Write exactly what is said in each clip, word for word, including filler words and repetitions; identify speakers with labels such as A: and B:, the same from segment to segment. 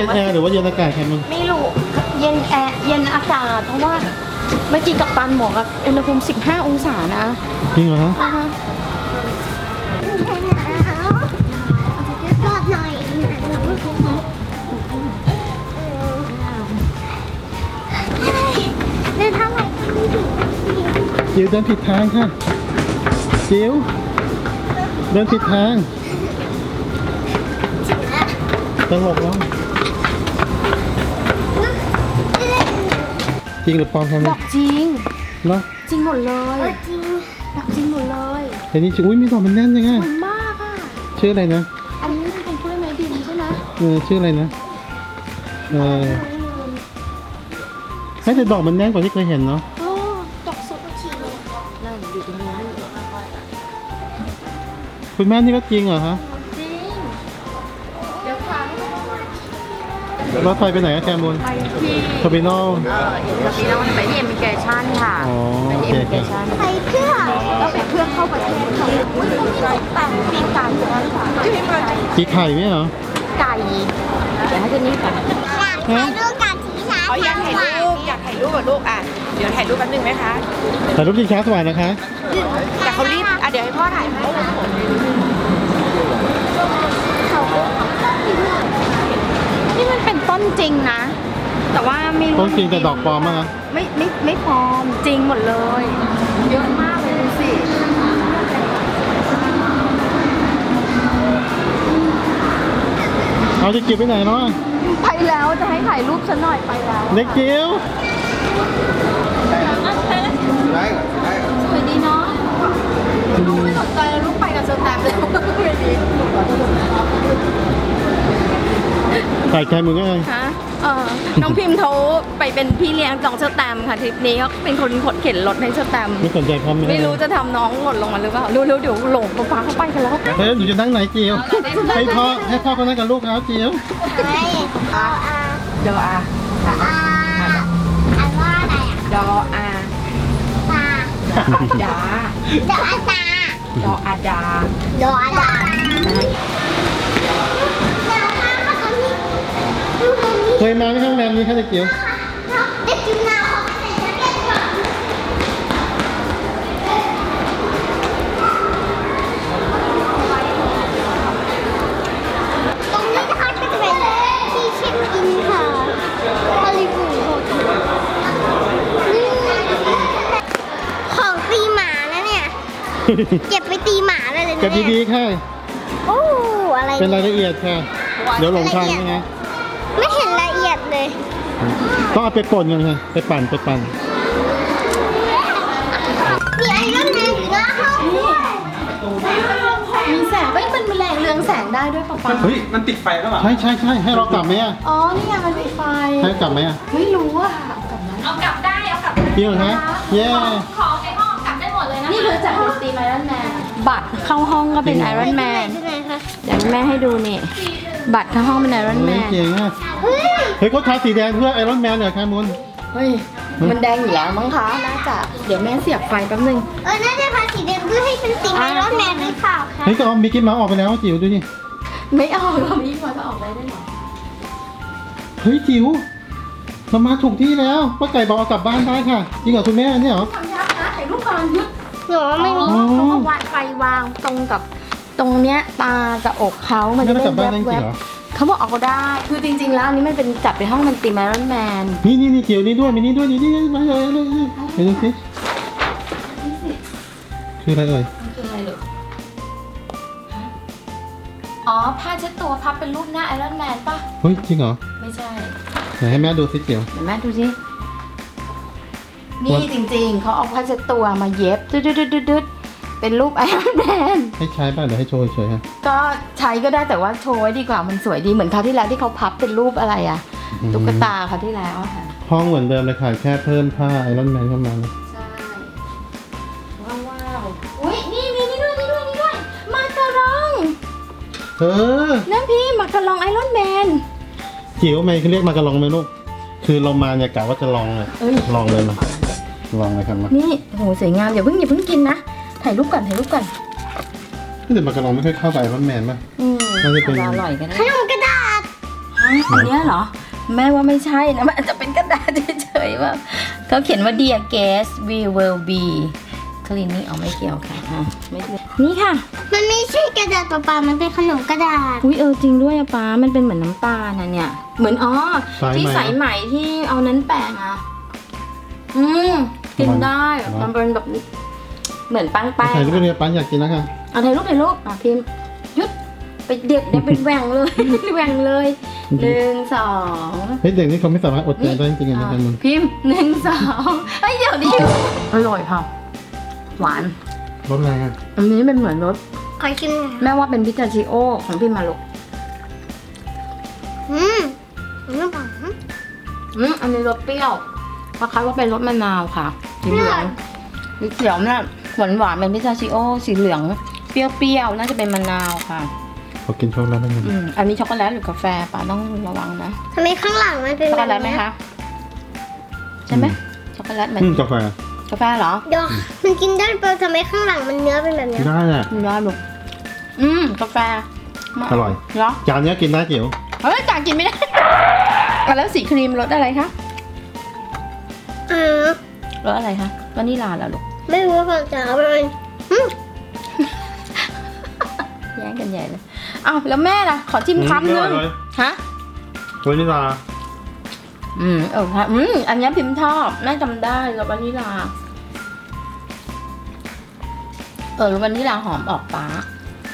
A: ย็นแอร์หรือว่าเย็นอากาศแคมุน
B: ไม่รู้เย็นแอร์เย็นอากาศเพราะว่าเมื่อกี้กัปตันบอกว่าอุณหภูมิสิบห้าองศานะ
A: จริงเหรอฮะ
B: อ่าฮะ
C: รอดหน่อยเดินทางไหน
A: จิ๋วเดินผิดทางค่ะจิ๋วเดินผิดทางตลกแล้วจริงหรือปลอมครับ
B: ดอกจริง
A: เนาะ
B: จริงหมดเลย
C: จริง
B: ดอกจริงหมดเลย
A: แต่นี่อุ้ยมีดอกมันแน่นยังไง
B: สวยมากอ่ะ
A: ชื่ออะไรนะ
B: อันนี้เป็นกล้วยไม้ดินใช่ไหม
A: เออชื่ออะไรนะเออให้แต่ดอกมันแน่นกว่าที่เคยเห็นเนาะ
B: โอ้ดอกสุดจริงนั่นอยู่ตรงนี้
A: คุณแม่นี่ก็จริงเหรอฮะ
B: จริงเดี๋ยวฟัง
A: รถไฟไปไหนอะแคมูล
B: ไปที่
A: เทอร์มินอล
B: เอ่อเรามีน้องไปที่เอมิเกชันค่ะ
A: อ๋อ
B: ไปที่เอมิเกชัน
C: ไปเพื่อ
B: ก็ไปเพื่อเข้าประเทศค่ะอุ้ยตรงนี้แต่งปีกไก่อยู่นั่นค่ะ
A: สีไข่ไหมเหรอ
B: ไก่เดี๋ยวให้เจนนี่ก่อน
C: อยากถ่ายรูปกับทีช้า
D: เขาอยากถ่ายรูปอยากถ่ายรูปกับลูกอ่ะเดี๋ยวถ่ายรูปแป๊บนึงไหมคะ
A: ถ่ายรูปชิงช้าสวรรค์นะคะ
D: แต่เขารีบอ่ะเดี๋ยวให้พ่อถ่ายให้
B: นี่มันเป็นต้นจริงนะ แต่ว่าไม่รู้
A: ต้นจริงแต่ดอกปลอมมั้งนะ
B: ไม่ไม่ไม่ปลอมจริงหมดเลย เยอะมากเลยดูสิ
A: เอาจะเก็บไปไหนเนาะ
B: ไปแล้วจะให้ถ่ายรูปฉันหน่อยไปแล้ว
A: เด็กจิ๋ว
B: สวยดีเนาะลูกไม่สนใจแล้วลูกไปกับเชอร์แตมเลยไม่ดี
A: ถ่ายแคมูลก็ไง
B: ฮะเออน้องพิมพ์เขาไปเป็นพี่เลี้ยงน้องเชอร์แตมค่ะทริปนี้เขาเป็นคนขดเข็นรถให้เชอร์แตม
A: ไม่สนใจพ่อแม่
B: ไม่รู้จะทำน้องหล่นลงมาหรือเปล่าเร็วๆเดี๋ยวหลงป๊าเขาไปกันแล้ว
A: เฮ้ยหนูจะนั่งไหนจิ๋วให้พ่อให้พ่อเขานั่งกับลูกเขาจิ๋ว
C: ให้เอาอา
D: ดออา
C: อาอันว่าอะไรอ่ะ
D: ดออา
C: ตา
D: ดา
C: ดออาตา
D: ดออาดา
C: ดออาดาเดี๋ยวมามาตรงนี้
A: เคยมาไหมห้องแรมนี้คะเด็กจิ๋ว
C: เด็กจิ๋วนาขอใส่แจ็คเก็ตก่อนตรงนี้นะคะก็จะเป็นที่เช็คอินค่ะฮอลลีวูดโฮเทลนี่ของตีหมานะเนี่ย เก็บไปตีหมาเลยเลย
A: เก็บ
C: เนี่ย
A: ดีๆค่ะ
C: โอ้อะไร
A: เป็น
C: เนี่ย
A: รายละเอียดค่ะ เดี๋ยวหลงทางยังไง
C: ไม่เห็นละเอียดเลย
A: ต้องเอาไปป่นกันค่ะไปปั่นไปปั่น
C: มีไอรอนแมนอยู่หน้าห้องด้วย
B: มีแสงเอ้ยมันแรงเรืองแสงได้ด้วยป๊าป๊า
E: เฮ้ย มันติดไฟแล้วเหรอ
A: ใช่ใช่ใช่ให้เรากลับไหมอ่ะ
B: อ๋อนี่ไงมันมีไฟ
A: ให้กลับไหมอ่ะ
B: ไม่รู้อะค่ะเอากลับได้เอากลับได้
A: จริงเหรอฮะเย้
B: ของในห้องกลับได้หมดเลยนะนี่คือจากดนตรีไอรอนแมนบัตรเข้าห้องก็เป็นไอรอนแมน
C: ที่ไหนคะ
B: เดี๋ยวแม่ให้ดูนี่ บัตรเข้าห้องเป็นไอรอนแม
A: เฮ้ย
B: น
A: เก่งอ่ะ
C: เฮ้ย
A: เฮ้ยเขาทาสีแดงเพื่อไอรอนแมนเหรอแคมูล
B: เฮ้ยมันแดงอยู่แล้วมั้งคะน่าจะเดี๋ยวแม่เสียบไฟแป๊บนึง
C: เออน่าจะพาสีแดงเพื่อให้เป็นสีไอรอนแมนหรือเปล่าคะ
A: เฮ้ยก็เอามิกกี้เมาส์ออกไปแล้วจิ๋วดูนี่
B: ไม่เอาเรามีมาจะออกได้ด้วยเหรอ
A: เฮ้ยจิ๋วเรามาถูกที่แล้วป้าไก่บอกเอากลับบ้านได้ค่ะจริงเหรอคุณแม่เนี่ยเหรอ
B: ทำยากนะถ่ายรูปก่อนยึด
C: หนูว่าไม่มี
B: อ๋อเขาก็วางไฟวางตรงกับตรงเนี้ยตากับอกเขามัน
A: ไม่
B: จะ
A: ได้
B: ได้
A: กลับบ้านได้จ
B: แว
A: ริง
B: บ
A: เหรอ
B: ๆเขาบอกเอาได้ คือจริง ๆ แล้วอันนี้มันเป็นจัดไปห้องมันตีไอรอนแมน
A: นี่นี่นี่จิ๋วนี่ด้วยมีนี่ด้วยนี่นี่มาเลยเลยไปดูสิคืออะไรเอ่ย
B: มันคืออะไรหรออ๋อผ้าเช็ดตัวพับเป็นรูปหน้าไอรอนแมนป่ะ
A: เฮ้ยจริงเหรอ
B: ไม่ใช่
A: ไหนให้แม่ดูสิจิ๋ว
B: เดี๋ยวแม่ดูสินี่จริงๆเขาเอาผ้าเช็ดตัวมาเย็บดึดๆๆๆเป็นรูปไอรอนแมน
A: ให้ใช้ป่ะเดี๋ยวให้โชว์เฉยๆฮะ
B: ก็ใช้ก็ได้แต่ว่าโชว์ไว้ดีกว่ามันสวยดีเหมือนคราวที่แล้วที่เขาพับเป็นรูปอะไรอะตุ๊กตาคราวที่แล้วอะค่ะ
A: ห้องเหมือนเดิมเลยค่ะแค่เพิ่มผ้าไอรอนแมนเข้ามานะ
B: ใช่ว้าวว้าวอุ้ยนี่มีนี่ด้วยนี่ด้วยนี่ด้วยมาการอง
A: เออ
B: นั่นพี่มาการองไอรอนแมน
A: จิ๋วทำไมเขาเรียกมากระลองไหมลูกคือเรามาเนี่ยกะว่าจะลองเลย
B: เอ้ย
A: ลองเลยมาลองเลยครับมา
B: นี่โหสวยงามอย่าเพิ่งอย่าเพิ่งกินนะถ่ายรูปก่อนถ่ายรูปก่อน
A: แต่มากระลองไม่ค่อยเข้าไปไอรอนแมนป่ะ
B: อืม
A: น่าจะเป็น
B: อร่อยกันนะ
C: ขนมกระดาษ
B: ฮอืมอันเนี้ยเหรอ แม่ว่าไม่ใช่นะมันอาจจะเป็นกระดาษเฉยๆว่าเขาเขียนว่า dear guest we will be cleaning เอาไม่เกี่ยวค่ะอ่ะไม่เกี่ยวนี่ค่ะ
C: มันไม่ใช่กระดาษเปล่าๆมันเป็นขนมกระดาษ
B: อุ้ยเออจริงด้วยอะป้ามันเป็นเหมือนน้ำตาลนะเนี่ย เหมือนอ๋อ
A: สายไหม
B: ที่สายไหมที่เอานั้นแปะอ่ะอืมกินได้
A: มั
B: มัน นเป็นแบบเหมือนปังแป้ง
A: ถ่ายรูปเนี่ยป้าอยากกินแล้วค่ะ
B: เอาถ่ายรูปถ่ายรูปอ่ะพิมพ์หยุดไปเด็กเดี๋ยวเป็นแหว่งเลย แหว่งเลยหนึ่งสอง
A: เฮ้ยเด็กนี่เขาไม่สามารถอดใจได้จริงๆนะกันมึง
B: พิมพ์หนึ่งสองไอ้ยเดี๋ยวดิอร่อยค่ะ หวาน
A: รสอะไรอ่ะ
B: อันนี้เป็นเหมือนรส
C: ขอชิมหน่อย
B: แม่ว่าเป็นพิตาชิโอของพิมมาลูก
C: อืมน้ำหวาน
B: อืมอันนี้รสเปรี้ยวคล้ายๆว่าเป็นรสมะนาวค่ะสีเหลืองสีเขียวเนี่ยหวานหวานๆเป็นพิตาชิโอสีเหลืองเปรี้ยวๆน่าจะเป็นมะนาวค่ะ
A: ขอกินช็อกโกแลตได้ไหม
B: อืมอันนี้ช็อกโกแลตหรือกาแฟป้าต้องระวังนะ
C: ทำไมข้างหลังมันเป็น
B: ช็อก
C: แบ
B: โกแล
C: บ
B: ตไหม
C: นี้
B: คะใช่ไหมช็อกโกแลตเหมือน
A: อืมกาแฟ
B: กาแฟเหรอ
C: เดี๋ยวมันกินได้เปล่าทำไมข้างหลังมันเนื้อเป็นแบบนี้
A: ได้อ่ะ
B: มีน้อยลูกอืมกาแฟ
A: อร่อย
B: เหรอ
A: จานเนี้ยกินได้จิ๋ว
B: เฮ้ยจากกินไม่ได้ อ่ะแล้วสีครีมรสอะไรคะ
C: อืม
B: รสอะไรคะวานิลลาแล้วลูก
C: ไม่รู้ว่าจะเอาไปอืม
B: แย่งกันใหญ่เลยอ้าวแล้วแม่ล่ะ ขอชิมคำนึงฮะ
A: วานิลา
B: อืมเออค่ะอืมอันนี้พิมพ์ชอบแม่จำได้แล้ววานิลา เออวานิลาหอมออกปาก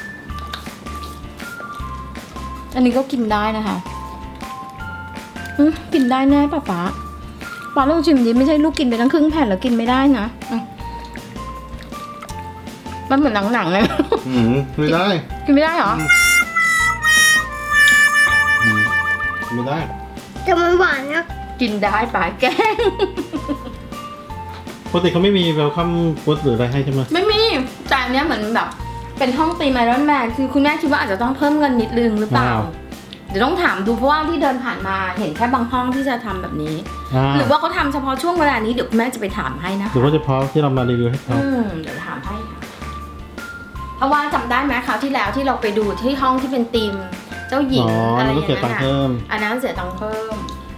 B: อันนี้ก็กินได้นะคะอืมกินได้แน่ป่ะป๊าป๊าลองชิมดิไม่ใช่ลูกกินไปทั้งครึ่งแผ่นแล้วกินไม่ได้นะอืมมันเหมือนหนังๆเลย
A: อืมไม่ได้
B: กินไม่ได้เหรอ
A: อืมไม่ได้
C: แต่มันหวานนะ
B: กินได้ป่าแกล้ง
A: ปกติเขาไม่มีเวลคัมฟู้ดหรืออะไรให้ใช่ไหม
B: ไม่มีแต่อันเนี้ยเหมือนแบบ เป็นห้องตีมไอรอนแมนคือคุณแม่คิดว่าอาจจะต้องเพิ่มเงินนิดนึงหรือเปล่า เดี๋ยวต้องถามดูเพราะว่าที่เดินผ่านมาเห็นแค่บางห้องที่จะทำแบบนี้
A: อ่า
B: หรือว่าเขาทำเฉพาะช่วงเวลานี้เดี๋ยวคุณแม่จะไปถามให้นะ
A: หรือว่าเฉพาะที่เรามารีวิวให้เขา
B: อืมเดี๋ยวถามให้ค่ะเพราะว่าจำได้ไหมคราวที่แล้วที่เราไปดูที่ห้องที่เป็นธีมเจ้าหญิ
A: อ๋
B: ง
A: อ
B: อะไร
A: แล้ว
B: อ
A: ก็
B: ย่าง
A: เสียตั
B: นั้
A: ง
B: น
A: ค์เพิ่ม
B: อันนั้นเสียตังค์เพิ่ม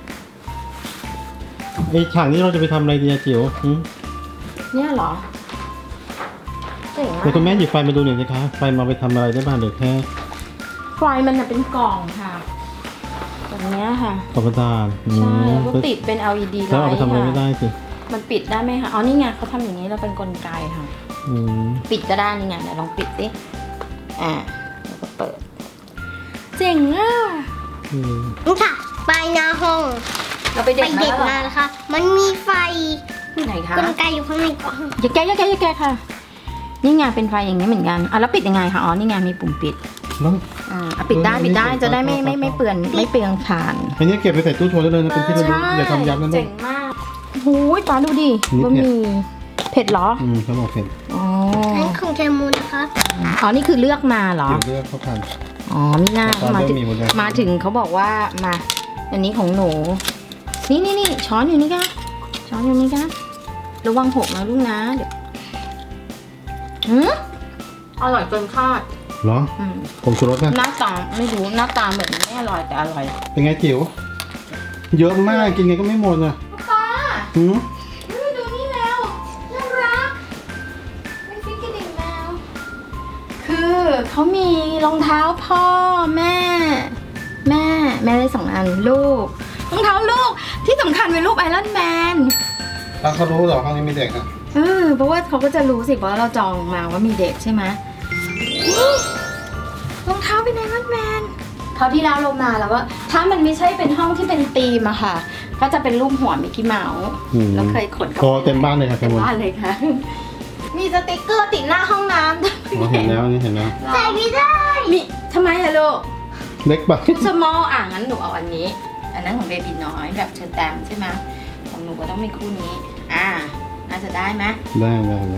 A: ไอ้ฉากนี้เราจะไปทำอะไรดีอะจิ๋วหืม
B: เนี่ยเหรอเจ๋ง
A: เดี๋ยวคุณแม่
B: มาก
A: หยิบไฟมาดูหน่อยสิคะไฟมาไปทำอะไรได้บ้างหรือแค่
B: ไฟมันน่ะเป็นกล่องค่ะแบบเนี้ยค่ะ
A: กรอบประดานอื
B: ใช่
A: ม
B: แล้วก็ติดเป็น แอล อี ดี ไล
A: แล้วเอาไป
B: ท์
A: ทำอะไรไม่
B: ค่ะ
A: ได้สิ
B: มันปิดได้ไหมคะอ๋อนี่ไงเขาทำอย่างนี้เราเป็นกลไกค่ะ
A: อืม
B: ปิดก็ได้นี่ไงเดี๋ยวลองปิดสิอ่าแล้วก็เปิด เจ๋งอ่ะ
A: อืม
C: นี่ค่ะปลายหน้าห้อง
B: เราไป
C: ไป
B: เด็ดมา
C: เด็ด
B: แล้วเหร
C: มา
B: อ
C: นะคะ มันมีไฟ
B: ไหนคะ
C: กลไกอยู่ข้างในกล่อง
B: อย่าแกะอย่าแกะอย่าแกะค่ะ นี่ไงเป็นไฟอย่างนี้เหมือนกันอ่ะแล้วปิดยังไงคะอ๋อนี่ไงมีปุ่มปิด
A: แล้ว
B: อ่าอ่ะปิดได้ปิดได้จะได้ไม่ไม่ไม่เปลือนไม่เปลืองถ่าน
A: อันนี้เก็บไปใส่ตู้โชว์ได้เลยนะเป็นที่ระลึกอย่าทำยับนะลู
B: เจ๋
A: ก
B: งมากโอ้ยป้าดูดิ
A: นี่
B: บะ
A: เผ็
B: ห
A: ด
B: มี่เผ็ดเหรอ
A: อืมเขาบอกเผ็ด
B: อ๋อ
C: นั่นของแคมูนนะคะ
B: อ๋อนี่คือเลือกมาเหรอ
A: เดี๋ยวเลือกเขาทาน
B: อ๋อมีหน้า
A: ตอน
B: มา
A: เริ่ม
B: ถึง
A: มีหมดเลย
B: มาถึงเขาบอกว่ามาอันนี้ของหนู นี่นี่นี่ช้อนอยู่นี่ค่ะช้อนอยู่นี่ค่ะระวังหกนะลูกนะเดี๋ยวหืมอร่อยเกินคาด
A: เหรอ
B: อืม
A: ผงชูรสนะ
B: หน้าตาไม่รู้หน้าตาเหมือนไม่อร่อยแต่อร่อย
A: เป็นไงจิ๋วเยอะมากกินไงก็ไม่หมดอ่ะ
B: ป้า
A: หืม
B: ดูนี่แล้วน่ารักเป็นฟิกเกอร์ดิ่งแมวคือเขามีรองเท้าพ่อแม่ แม่แม่ได้สองอันลูกรองเท้าลูกที่สำคัญเป็นรูปไอรอนแมน
A: แล้วเขารู้เหรอห้องนี้มีเด็กอ่ะ
B: เออเพราะว่าเขาก็จะรู้สิเพราะเราจองมาว่ามีเด็กใช่ไหมนี่รองเท้าเป็นไอรอนแมนคราวที่แล้วลงมาแล้วว่าถ้ามันไม่ใช่เป็นห้องที่เป็นธีมอะค่ะ ก็จะเป็นรูปหัวมิกกี้เมาส์
A: อืม
B: แล้วเคยขนกลับ
A: โอ้เต็มบ้านเลยค่ะ
B: เต็
A: เต็
B: ม
A: มหมด
B: บ้านเลยค่ะ มีสติกเกอร์ติดหน้าห้องน้ำด้วย
A: อ๋อเห็นแล้วนี่เห็นแล้ว
C: ใส่ไม่ได้
B: มีทำไมอะลูก
A: เล็กปะ
B: สมอลอ่ะงั้นหนูเอาอันนี้ อันนั้นของเบบีน้อยแบบเชอร์แตมใช่ไหมของหนูก็ต้องมีคู่นี้ อ่า น่าจะได้ไหม
A: ได้ได้ได้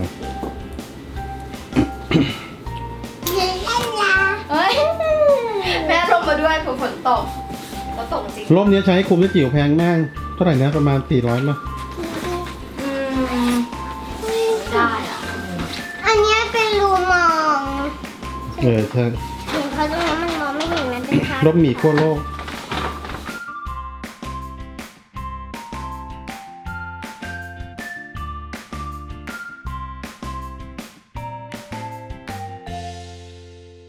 C: เล่นยา
B: เอ้ย แม่ลงมาด้วยฝนตกแล้วตกจริง
A: ร่มนี้ใช้คุมได้จิ๋วแพงมากเท่าไหร่นะประมาณสี่ร้อยมั้ย
B: อืมไม่ได้อ่ะ
C: อันเนี้ยเป็นรูมอง
A: เออใช่
C: เห็นเพราะตรงนั้นมันมองไม่เห็นมันเป็นทาง
A: ร่มหมีขั้วโลก